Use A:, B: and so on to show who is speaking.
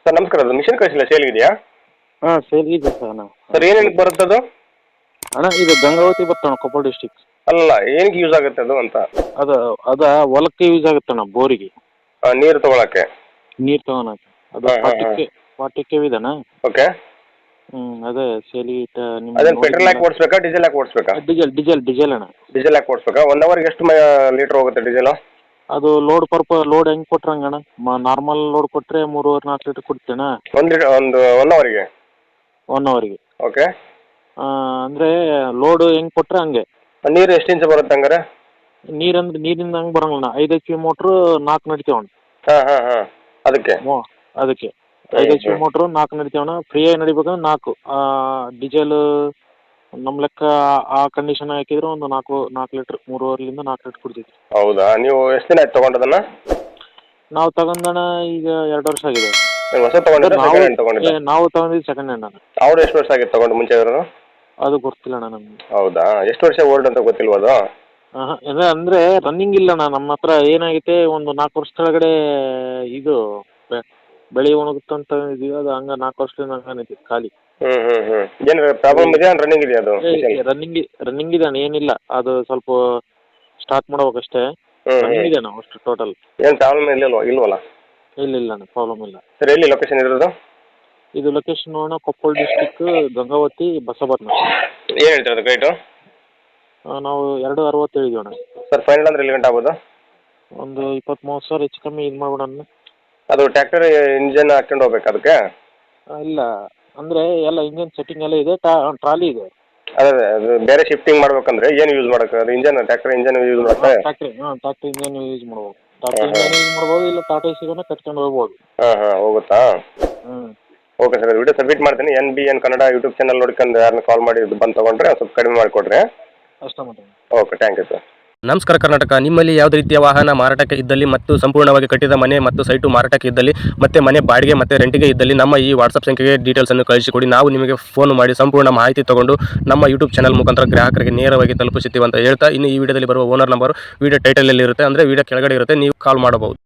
A: Sir ನಮಸ್ಕಾರ, ಅದು mission ಕಳಿಸಿಲ್ಲ, ಸೇಲ್ಗಿದೆಯಾ?
B: ಹಾಂ ಸೇಲ್ ಇದೆ ಸರ್ ಅಣ್ಣ.
A: ಸರ್ ಏನೇನಕ್ಕೆ ಬರುತ್ತೆ ಅದು?
B: ಅಣ್ಣ ಇದು ಗಂಗಾವತಿ ಬರ್ತಣ್ಣ, ಕೊಪ್ಪಳ ಡಿಸ್ಟಿಕ್.
A: ಅಲ್ಲ, ಏನಕ್ಕೆ ಯೂಸ್ ಆಗುತ್ತೆ ಅದು ಅಂತ?
B: ಅದು ಹೊಲಕ್ಕೆ ಯೂಸ್ ಆಗುತ್ತಣ್ಣ, ಬೋರಿಗೆ
A: ನೀರು ತೊಗೊಳಕ್ಕೆ.
B: ನೀರು ತಗೊಳಕ್ಕೆ. ಅದು
A: ಹಾಂ, ಹಾಂ, ಹಾಂ.
B: 40 KV ಇದಣ್ಣ.
A: ಓಕೆ.
B: ಅದೇ ಸೇಲಿಗೆ
A: ಅದೇನು ಪೆಟ್ರೋಲ್ ಹಾಕಿ ಓಡಿಸ್ಬೇಕಾ, ಡೀಸೆಲ್ ಹಾಕಿ ಓಡಿಸ್ಬೇಕಾ?
B: ಡೀಸೆಲ್ ಅಣ್ಣ.
A: ಡೀಸೆಲ್ ಹಾಕಿ ಓಡಿಸ್ಬೇಕಾ? 1 ಅವರ್ಗೆ ಎಷ್ಟು ಲೀಟ್ರ್ ಹೋಗುತ್ತೆ ಡೀಸೆಲು?
B: ಅದು ಲೋಡ್ ಹೆಂಗೆ ಕೊಟ್ರಂಗಣ್ಣ, ನಾರ್ಮಲ್ ಲೋಡ್ ಕೊಟ್ಟರೆ 3.5-4 ಲೀಟ್ರ್ ಕೊಡ್ತೇಣ.
A: ಒಂದು 1 ಅವರಿಗೆ.
B: 1 ಅವರಿಗೆ.
A: ಓಕೆ.
B: ಅಂದರೆ ಲೋಡ್ ಹೆಂಗೆ ಕೊಟ್ಟರೆ ಹಂಗೆ.
A: ನೀರು ಎಷ್ಟು ಇಂಚ್ ಬರುತ್ತೆ ಹಂಗಾರೆ?
B: ನೀರಿಂದ ಹಂಗೆ ಬರಂಗಿಲ್ಲ. 5 HP ಮೋಟ್ರು 4 ನಡಿತೇವಣ್ಣ.
A: ಹಾಂ ಹಾಂ ಹಾಂ, ಅದಕ್ಕೆ
B: ಅದಕ್ಕೆ 5 HP ಮೋಟ್ರು 4 ನಡಿತೇವಣ್ಣ. ಫ್ರೀಯಾಗಿ ನಡಿಬೇಕಂದ್ರೆ 4. ಡೀಸೆಲ್ ನಮ್ಮ ಲೆಕ್ಕ ಆ ಕಂಡೀಷನ್ ಹಾಕಿದ್ರೆ ಒಂದು 4 ಲೀಟ್ರ್, 3.5ರಿಂದ 4 ಲೀಟ್ರ್ ಕೊಡ್ತೈತಿ.
A: ಹೌದಾ? ನೀವು ಎಷ್ಟು ದಿನ ಆಯ್ತು ತೊಗೊಂಡದನ್ನ?
B: ನಾವು ತಗೊಂಡಣ ಈಗ 2 ವರ್ಷ ಆಗಿದೆ.
A: ನೀವು ಹೊಸ ತೊಗೊಂಡಿದ್ದ, ಸೆಕೆಂಡ್ ಹ್ಯಾಂಡ್ ತೊಗೊಂಡಿದ್ದ?
B: ನಾವು ತಗೊಂಡಿದ್ದು ಸೆಕೆಂಡ್ ಹ್ಯಾಂಡ್ ಅಣ್ಣ.
A: ಅವ್ರು ಎಷ್ಟು ವರ್ಷ ಆಗಿತ್ತು ತೊಗೊಂಡು ಮುಂಚೆ ಇರೋರು?
B: ಅದು ಗೊತ್ತಿಲ್ಲ ಅಣ್ಣ ನಮ್ಗೆ.
A: ಹೌದಾ? ಎಷ್ಟು ವರ್ಷ ಓಲ್ಡ್ ಅಂತ ಗೊತ್ತಿಲ್ವ ಅದು?
B: ಅಂದರೆ ರನ್ನಿಂಗ್ ಇಲ್ಲ ಅಣ್ಣ ನಮ್ಮ ಹತ್ರ. ಏನಾಗೈತೆ, ಒಂದು 4 ವರ್ಷ ಕೆಳಗಡೆ ಇದು ಬೆಳೆ ಒಣಗುತ್ತಂತ ಇದೀವಿ. ಅದು ಹಂಗೆ 4 ವರ್ಷದಿಂದ ಹಂಗನೈತಿ ಖಾಲಿ.
A: ಏನು ಪ್ರಾಬ್ಲಮ್ ಇದೆಯಾ? ರನ್ನಿಂಗ್ ಇದೆಯಾ ಅದು?
B: ರನ್ನಿಂಗ್ ಇದೆ ಅಣ್ಣ, ಏನಿಲ್ಲ. ಅದು ಸ್ವಲ್ಪ ಸ್ಟಾರ್ಟ್ ಮಾಡ್ಬೇಕಷ್ಟೇ. ರನ್ನಿಂಗ್ ಇದೆ ಅಣ್ಣ ಅಷ್ಟು ಟೋಟಲ್.
A: ಏನು ಪ್ರಾಬ್ಲಮ್ ಇಲ್ವಲ್ಲ?
B: ಇಲ್ಲ ಅಣ್ಣ, ಪ್ರಾಬ್ಲಮ್ ಇಲ್ಲ.
A: ಸರ್ ಎಲ್ಲಿ ಲೊಕೇಶನ್ ಇರೋದು?
B: ಇದು ಲೊಕೇಶನ್ ಅಣ್ಣ ಕೊಪ್ಪಳ ಡಿಸ್ಟಿಕ್, ಗಂಗಾವತಿ, ಬಸವಪಟ್ಟಣ.
A: ಏನು ಹೇಳ್ತಾರೆ ಅದು ರೇಟು?
B: ನಾವು 2.60 ಹೇಳಿದ್ದೀವಿ ಅಣ್ಣ.
A: ಸರ್ ಫೈನಲ್ ಅಂದ್ರೆ ಎಲ್ಲಿ ಗಂಟೆ ಆಗ್ಬೋದು?
B: ಒಂದು 20-30 ಸಾವಿರ ಹೆಚ್ಚು ಕಮ್ಮಿ ಇದು ಮಾಡ್ಬಿಡೋಣ.
A: ಅದು ಟ್ರ್ಯಾಕ್ಟರ್ ಇಂಜನ್ ಹಾಕ್ಕೊಂಡು ಹೋಗ್ಬೇಕು ಅದಕ್ಕೆ?
B: ಇಲ್ಲ, ಅಂದರೆ ಎಲ್ಲ ಇಂಜನ್ ಸೆಟ್ಟಿಂಗ್ ಎಲ್ಲ ಇದೆ, ಟ್ರಾಲಿ ಇದೆ.
A: ಅದೇ ಅದು ಬೇರೆ ಶಿಫ್ಟಿಂಗ್ ಮಾಡ್ಬೇಕಂದ್ರೆ ಏನು ಯೂಸ್ ಮಾಡೋಕೆ? ಅದು ಟ್ರ್ಯಾಕ್ಟರ್ ಇಂಜನ್ ಯೂಸ್ ಮಾಡುತ್ತೆ?
B: ಟ್ರ್ಯಾಕ್ಟರ್ ಇಂಜನ್ ಯೂಸ್ ಮಾಡ್ಬೋದು. ಟ್ರ್ಯಾಕ್ಟರ್ ಇಂಜನ್ ಯೂಸ್ ಮಾಡ್ಬೋದು, ಇಲ್ಲ ಟಾಟಾ ಸಿಗೋನ ಕಟ್ಕೊಂಡು ಹೋಗ್ಬೋದು.
A: ಹಾಂ ಹೋಗುತ್ತಾ? ಓಕೆ ಸರ್, ವಿಡಿಯೋ ಸಬ್ಮಿಟ್ ಮಾಡ್ತೀನಿ. NBN ಕನ್ನಡ ಯೂಟ್ಯೂಬ್ ಚಾನಲ್ ನೋಡ್ಕೊಂಡು ಯಾರನ್ನ ಕಾಲ್ ಮಾಡಿ ಬಂದು ತೊಗೊಂಡ್ರೆ ಸ್ವಲ್ಪ ಕಡಿಮೆ ಮಾಡಿಕೊಡ್ರಿ.
B: ಅಷ್ಟೇ ಮಾಡಿ.
A: Okay, thank you sir.
C: ನಮಸ್ಕಾರ ಕರ್ನಾಟಕ. ನಿಮ್ಮಲ್ಲಿ ಯಾವುದೇ ರೀತಿಯ ವಾಹನ ಮಾರಾಟಕ್ಕೆ ಇದ್ದಲ್ಲಿ ಮತ್ತು ಸಂಪೂರ್ಣವಾಗಿ ಕಟ್ಟಿದ ಮನೆ ಮತ್ತು ಸೈಟು ಮಾರಾಟಕ್ಕೆ ಇದ್ದಲ್ಲಿ ಮತ್ತು ಮನೆ ಬಾಡಿಗೆ ಮತ್ತು ರೆಂಟಿಗೆ ಇದ್ದಲ್ಲಿ ನಮ್ಮ ಈ ವಾಟ್ಸಪ್ ಸಂಖ್ಯೆಗೆ ಡೀಟೇಲ್ಸನ್ನು ಕಳಿಸಿಕೊಡಿ. ನಾವು ನಿಮಗೆ ಫೋನ್ ಮಾಡಿ ಸಂಪೂರ್ಣ ಮಾಹಿತಿ ತಗೊಂಡು ನಮ್ಮ ಯೂಟ್ಯೂಬ್ ಚಾನಲ್ ಮುಖಾಂತರ ಗ್ರಾಹಕರಿಗೆ ನೇರವಾಗಿ ತಲುಪಿಸುತ್ತೀವಿ ಅಂತ ಹೇಳ್ತಾ, ಇನ್ನು ಈ ವಿಡಿಯೋದಲ್ಲಿ ಬರುವ ಓನರ್ ನಂಬರ್ ವಿಡಿಯೋ ಟೈಟಲಲ್ಲಿ ಇರುತ್ತೆ, ಅಂದರೆ ವಿಡಿಯೋ ಕೆಳಗಡೆ ಇರುತ್ತೆ, ನೀವು ಕಾಲ್ ಮಾಡಬಹುದು.